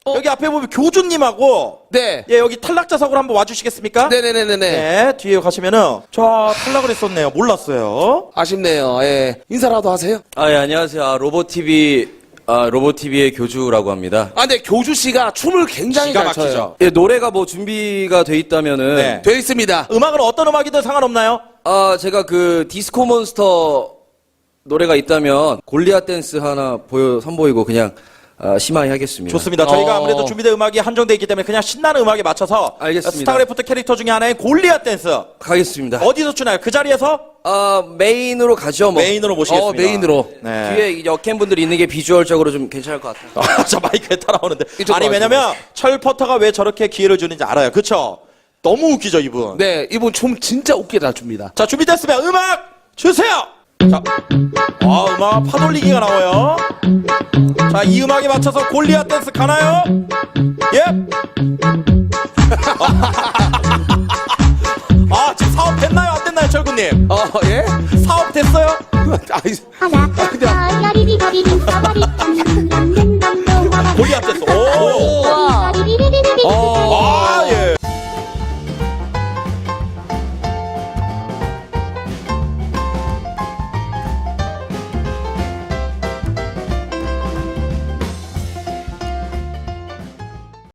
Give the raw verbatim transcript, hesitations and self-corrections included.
여기 앞에 보면 교주님하고 네. 예 여기 탈락자석으로 한번 와주시겠습니까? 네네네네네. 네, 뒤에 가시면은 저 탈락을 했었네요. 몰랐어요. 아쉽네요. 예. 인사라도 하세요. 아, 예, 안녕하세요. 아, 로보티비, 아, 로보티비의 교주라고 합니다. 아, 근데 교주 씨가 춤을 굉장히 기가 잘 춰요. 막히죠. 예, 노래가 뭐 준비가 돼 있다면은. 네. 돼 있습니다. 음악은 어떤 음악이든 상관없나요? 아, 제가 그 디스코 몬스터 노래가 있다면 골리앗 댄스 하나 보여, 선보이고 그냥 아, 심하게 하겠습니다. 좋습니다. 저희가 어. 아무래도 준비된 음악이 한정돼 있기 때문에 그냥 신나는 음악에 맞춰서 알겠습니다. 스타크래프트 캐릭터 중에 하나인 골리앗 댄스 가겠습니다. 어디서 추나요? 그 자리에서 아, 메인으로 가죠, 뭐. 메인으로 모시겠습니다. 어, 메인으로. 네. 뒤에 이 여캠분들이 있는 게 비주얼적으로 좀 괜찮을 것 같아요. 아, 저 마이크에 따라오는데. 이쪽으로 아니 왜냐면 철퍼터가 왜 저렇게 기회를 주는지 알아요. 그쵸? 너무 웃기죠 이분. 네, 이분 춤 진짜 웃게 잘 춥니다. 자 준비됐으면 음악 주세요. 자, 아 음악 파돌리기가 나와요. 자 이 음악에 맞춰서 골리앗 댄스 가나요? 예? 아 지금 사업 됐나요? 안 됐나요, 철구님? 어, 예? 사업 됐어요? 아이, 하나, 아, 야리비 거리비 사버리